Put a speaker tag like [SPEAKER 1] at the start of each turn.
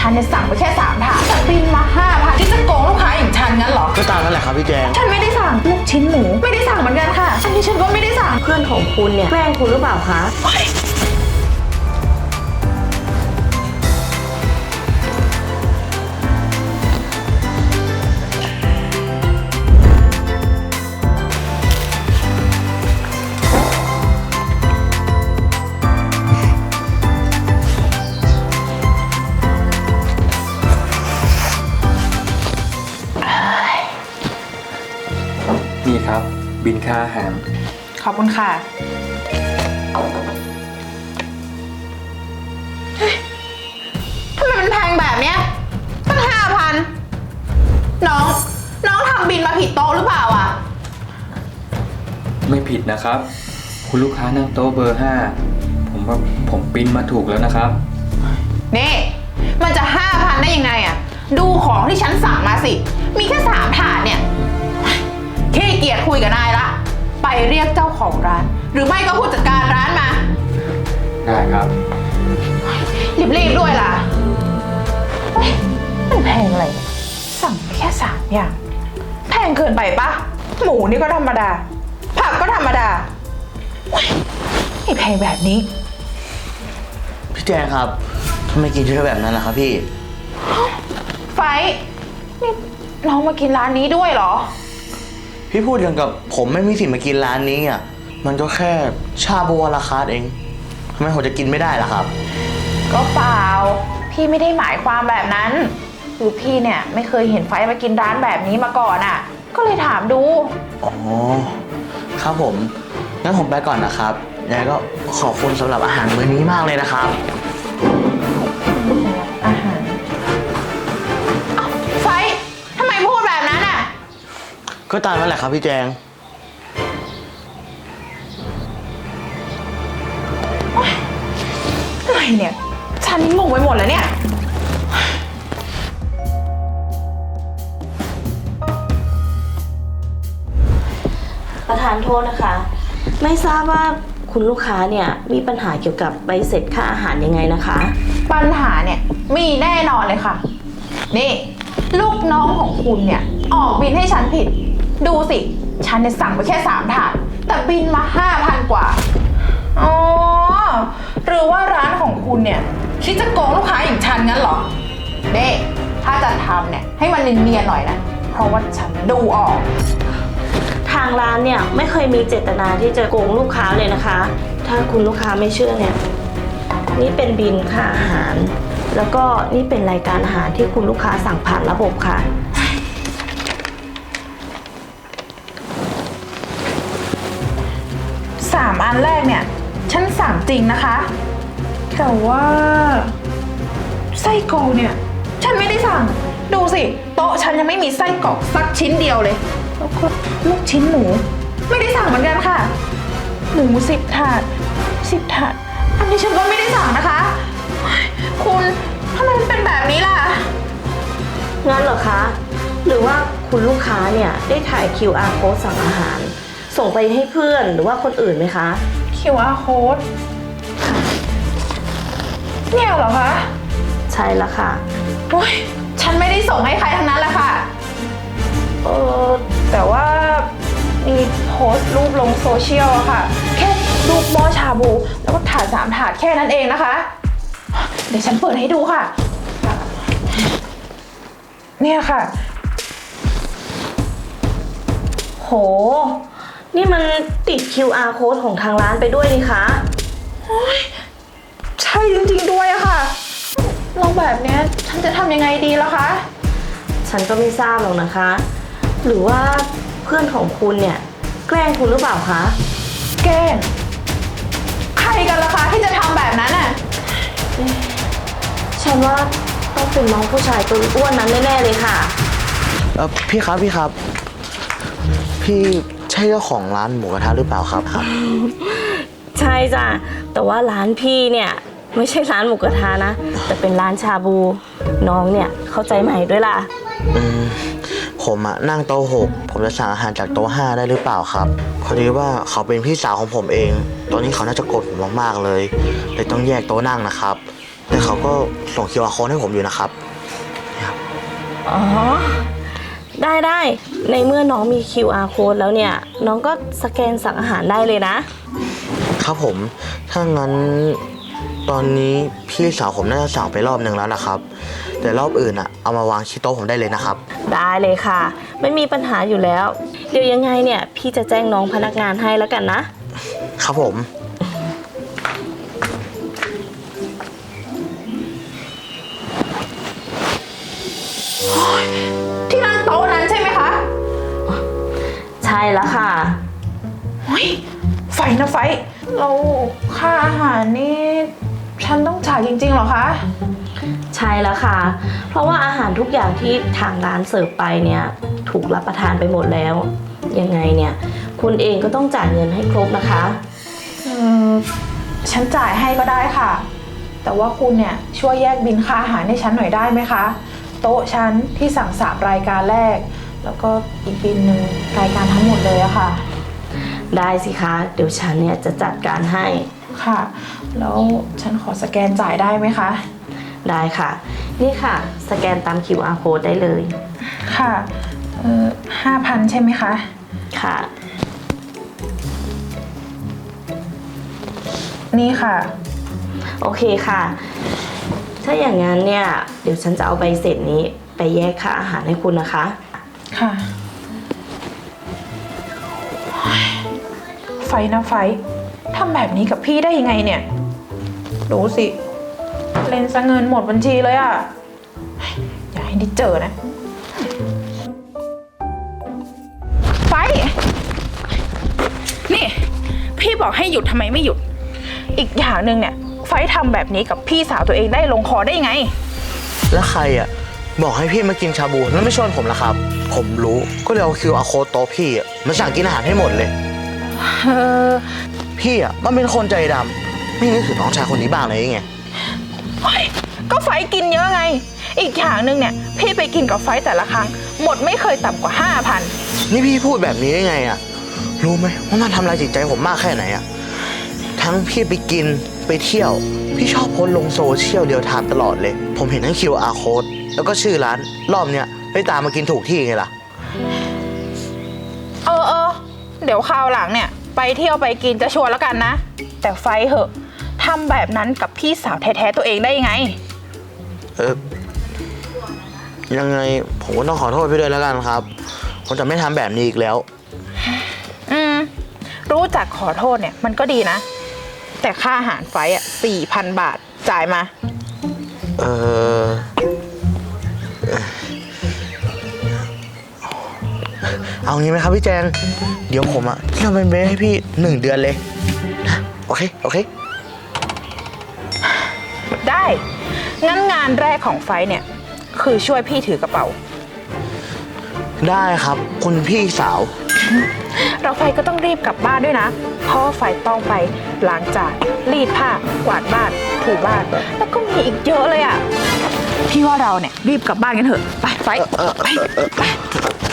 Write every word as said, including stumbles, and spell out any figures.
[SPEAKER 1] ฉันเนี่ยสั่งไปแค่สามถาดแต่บินมาห้าพันที่จะโกงลูกค้าอย่างฉันงั้นเหรอ
[SPEAKER 2] ก็ตามนั่นแหละครับพี่แจง
[SPEAKER 1] ฉันไม่ได้สั่งลูกชิ้นหมูไม่ได้สั่งเหมือนกันค่ะอันนี้ฉันก็ไม่ได้สั่ง
[SPEAKER 3] เพื่อนของคุณเนี่ยแกล้งคุณหรือเปล่าคะ
[SPEAKER 4] นี่ครับบินค่าอาหาร
[SPEAKER 1] ขอบคุณค่ะทำไมมันแพงแบบเนี้ยตั้งห้าพันน้องน้องทำบินมาผิดโต๊ะหรือเปล่าอ่ะ
[SPEAKER 4] ไม่ผิดนะครับคุณลูกค้านั่งโต๊ะเบอร์ห้าผมว่าผมบินมาถูกแล้วนะครับ
[SPEAKER 1] นี่มันจะห้าพันได้ยังไงอ่ะดูของที่ฉันสั่งมาสิมีแค่สามถาดเนี่ยขี้เกียจคุยกับนายละไปเรียกเจ้าของร้านหรือไม่ก็ผู้จัดการร้านมา
[SPEAKER 4] ได้ครับ
[SPEAKER 1] รีบๆด้วยล่ะมันแพงอะไรสั่งแค่สามอย่างแพงเกินไปปะหมูนี่ก็ธรรมดาผักก็ธรรมดาไม่แพงแบบนี้
[SPEAKER 2] พี่แจงครับทำไมกินเยอะแบบนั้นล่ะครับพี่
[SPEAKER 1] ไฟนี่น้องมากินร้านนี้ด้วยเหรอ
[SPEAKER 2] พี่พูดอย่างกับผมไม่มีสิทธิ์มากินร้านนี้อ่ะมันก็แค่ชาบูวาลาคาร์ทเองทำไมผมจะกินไม่ได้ล่ะครับ
[SPEAKER 1] ก็เปล่าพี่ไม่ได้หมายความแบบนั้นคือพี่เนี่ยไม่เคยเห็นไฟมากินร้านแบบนี้มาก่อนอ่ะก็เลยถามดู
[SPEAKER 2] อ๋อครับผมงั้นผมไปก่อนนะครับยังไงก็ขอบคุณสำหรับอาหารมื้อนี้มากเลยนะครับ
[SPEAKER 1] อาหารไฟทำไมพูดแบบนั้นอ่ะ
[SPEAKER 2] ก็ตามนั่นแหละครับพี่แจง
[SPEAKER 1] อะไรเนี่ยฉันงงไปหมดแล้วเนี่ย
[SPEAKER 3] ประธานโทษนะคะไม่ทราบว่าคุณลูกค้าเนี่ยมีปัญหาเกี่ยวกับใบเสร็จค่าอาหารยังไงนะคะ
[SPEAKER 1] ปัญหาเนี่ยมีแน่นอนเลยค่ะนี่ลูกน้องของคุณเนี่ยออกบินให้ฉันผิดดูสิฉันเนี่ยสั่งไปแค่สามถาดแต่บินมาห้าพันกว่าอ๋อหรือว่าร้านของคุณเนี่ยคิดจะโกงลูกค้าอย่างฉันงั้นเหรอเด้ถ้าจะทำเนี่ยให้มันเนียนๆหน่อยนะเพราะว่าฉันดูออก
[SPEAKER 3] ทางร้านเนี่ยไม่เคยมีเจตนาที่จะโกงลูกค้าเลยนะคะถ้าคุณลูกค้าไม่เชื่อเนี่ยนี่เป็นบิลค่าอาหารแล้วก็นี่เป็นรายการอาหารที่คุณลูกค้าสั่งผ่านระบบค่ะ
[SPEAKER 1] สามอันแรกเนี่ยฉันสั่งจริงนะคะแต่ว่าไส้กรอกเนี่ยฉันไม่ได้สั่งดูสิโต๊ะฉันยังไม่มีไส้กรอกสักชิ้นเดียวเลยแล้วก็ลูกชิ้นหมูไม่ได้สั่งเหมือนกันค่ะหมูสิบถาดสิบถาดอันนี้ฉันก็ไม่ได้สั่งนะคะคุณทำไมมันเป็นแบบนี้ล่ะ
[SPEAKER 3] งั้นเหรอคะหรือว่าคุณลูกค้าเนี่ยได้ถ่าย คิว อาร์ code สั่งอาหารส่งไปให้เพื่อนหรือว่าคนอื่นไหมคะ
[SPEAKER 1] คิว อาร์ code เนี่ยเหรอคะ
[SPEAKER 3] ใช่แล้วค่ะ
[SPEAKER 1] โอ๊ยฉันไม่ได้ส่งให้ใครทั้งนั้นแหละค่ะเออแต่ว่ามีโพสต์รูปลงโซเชียลอะค่ะแค่รูปหม้อชาบูแล้วก็ถาดสามถาดแค่นั้นเองนะคะเดี๋ยวฉันเปิดให้ดูค่ะเนี่ยค่ะโห
[SPEAKER 3] นี่มันติด คิว อาร์ code ของทางร้านไปด้วยนี่คะ
[SPEAKER 1] โอ๊ยใช่จริงๆด้วยอะค่ะเราแบบเนี้ยฉันจะทำยังไงดีล่ะคะ
[SPEAKER 3] ฉันก็ไม่ทราบหรอกนะคะหรือว่าเพื่อนของคุณเนี่ยแกล้งคุณหรือเปล่าคะ
[SPEAKER 1] แกล้งใครกันล่ะคะที่จะทำแบบนั้นอ่ะ
[SPEAKER 3] ฉันว่าต้องเป็นน้องผู้ชายตัวอ้วนนั้นแน่ๆเลยค่ะ
[SPEAKER 2] เออพี่ครับพี่ครับพี่ใช่เจ้าของร้านหมูกระทะหรือเปล่าครับครับ
[SPEAKER 3] ใช่จ้ะแต่ว่าร้านพี่เนี่ยไม่ใช่ร้านหมูกระทะนะแต่เป็นร้านชาบูน้องเนี่ยเข้าใจใหม่ด้วยล่ะ
[SPEAKER 2] อืมผมอะนั่งโต๊ะหกผมจะสั่งอาหารจากโต๊ะห้าได้หรือเปล่าครับพอดีว่าเขาเป็นพี่สาวของผมเองตอนนี้เขาน่าจะโกรธผมมากๆเลยเลยต้องแยกโต๊ะนั่งนะครับแต่เขาก็ส่ง คิว อาร์ code ให้ผมอยู่นะครับ
[SPEAKER 3] อ๋อ ได้ได้ ในเมื่อน้องมี คิว อาร์ code แล้วเนี่ย น้องก็สแกนสั่งอาหารได้เลยนะ
[SPEAKER 2] ครับผม ถ้างั้นตอนนี้พี่สาวผมน่าจะสั่งไปรอบหนึ่งแล้วนะครับ แต่รอบอื่นอะเอามาวางที่โต๊ะผมได้เลยนะครับ
[SPEAKER 3] ได้เลยค่ะ ไม่มีปัญหาอยู่แล้ว เดี๋ยวยังไงเนี่ย พี่จะแจ้งน้องพนักงานให้แล้วกันนะ
[SPEAKER 2] ครับผม
[SPEAKER 1] ที่นั่งโต๊ะนั้นใช่ไหมคะ
[SPEAKER 3] ใช่แล้วค่ะ
[SPEAKER 1] เฮ้ยไฟนะไฟเราค่าอาหารนี่ฉันต้องจ่ายจริงๆเหรอคะ
[SPEAKER 3] ใช่แล้วค่ะ เพราะว่าอาหารทุกอย่างที่ทางร้านเสิร์ฟไปเนี่ยถูกรับประทานไปหมดแล้ว ยังไงเนี่ยคุณเองก็ต้องจ่ายเงินให้ครบนะคะ
[SPEAKER 1] อืมฉันจ่ายให้ก็ได้ค่ะ แต่ว่าคุณเนี่ยช่วยแยกบินค่าอาหารให้ฉันหน่อยได้ไหมคะ โต๊ะฉันที่สั่งสามรายการแรก แล้วก็อีกบินหนึ่งรายการทั้งหมดเลยอะค่ะ
[SPEAKER 3] ได้สิคะเดี๋ยวฉันเนี่ยจะจัดการให้
[SPEAKER 1] ค่ะ แล้วฉันขอสแกนจ่ายได้ไหมคะ
[SPEAKER 3] ได้ค่ะ นี่ค่ะสแกนตาม คิว อาร์ code ได้เลย
[SPEAKER 1] ค่ะเออห้าพันใช่ไหมคะ
[SPEAKER 3] ค่ะ
[SPEAKER 1] นี่ค่ะ
[SPEAKER 3] โอเคค่ะ ถ้าอย่างนั้นเนี่ยเดี๋ยวฉันจะเอาใบเสร็จนี้ไปแยกค่าอาหารให้คุณนะคะ
[SPEAKER 1] ค่ะ ไฟนะไฟทำแบบนี้กับพี่ได้ยังไงเนี่ย ดูสิ เล่นซะเงินหมดบัญชีเลยอะอย่าให้ได้เจอนะ ไฟ นี่ พี่บอกให้หยุดทำไมไม่หยุด อีกอย่างหนึ่งเนี่ย ไฟทำแบบนี้กับพี่สาวตัวเองได้ลงคอได้ยังไง
[SPEAKER 2] แล้วใครอะบอกให้พี่มากินชาบูแล้วไม่ชวนผมล่ะครับ ผมรู้ก็เลยเอา คิว อาร์ code โต๊ะพี่อะมาสั่งกินอาหารให้หมดเลย
[SPEAKER 1] เออ
[SPEAKER 2] พี่อะมันเป็นคนใจดำไม่นึกถึงน้องชายคนนี้บ้างเลยไง
[SPEAKER 1] เฮ้ยก็ไฟกินเยอะไง อีกอย่างหนึ่งเนี่ย พี่ไปกินกับไฟแต่ละครั้ง หมดไม่เคยต่ำกว่าห้าพัน
[SPEAKER 2] นี่พี่พูดแบบนี้ได้ไงอะรู้ไหมว่ามันทำลายจิตใจผมมากแค่ไหนอะทั้งพี่ไปกินไปเที่ยว พี่ชอบโพสต์ลงโซเชียลเดียวทามตลอดเลย ผมเห็นทั้ง คิว อาร์ code แล้วก็ชื่อร้านรอบเนี้ยไปตามมากินถูกที่ไงล่ะ
[SPEAKER 1] เออเออเดี๋ยวคราวหลังเนี่ย ไปเที่ยวไปกินจะชวนแล้วกันนะ แต่ไฟเหอะทำแบบนั้นกับพี่สาวแท้ๆตัวเองได้ยังไง
[SPEAKER 2] เออยังไงผมก็ต้องขอโทษพี่ด้วยแล้วกันครับ ผมจะไม่ทำแบบนี้อีกแล้ว
[SPEAKER 1] อืม รู้จักขอโทษเนี่ยมันก็ดีนะ แต่ค่าอาหารไฟอ่ะสี่พันบาทจ่ายมา
[SPEAKER 2] เออเอางี้ไหมครับพี่แจง เดี๋ยวผมอะจะเป็นเบสให้พี่หนึ่งเดือนเลยนะโอเค โอเค
[SPEAKER 1] ได้ งั้นงานแรกของไฟเนี่ย คือช่วยพี่ถือกระเป๋า
[SPEAKER 2] ได้ครับ คุณพี่สาว
[SPEAKER 1] เราไฟก็ต้องรีบกลับบ้านด้วยนะ เพราะว่าไฟต้องไปล้างจานรีดผ้ากวาดบ้านถูบ้าน แล้วก็มีอีกเยอะเลยอ่ะ พี่ว่าเราเนี่ยรีบกลับบ้านกันเถอะ ไปไฟไปไป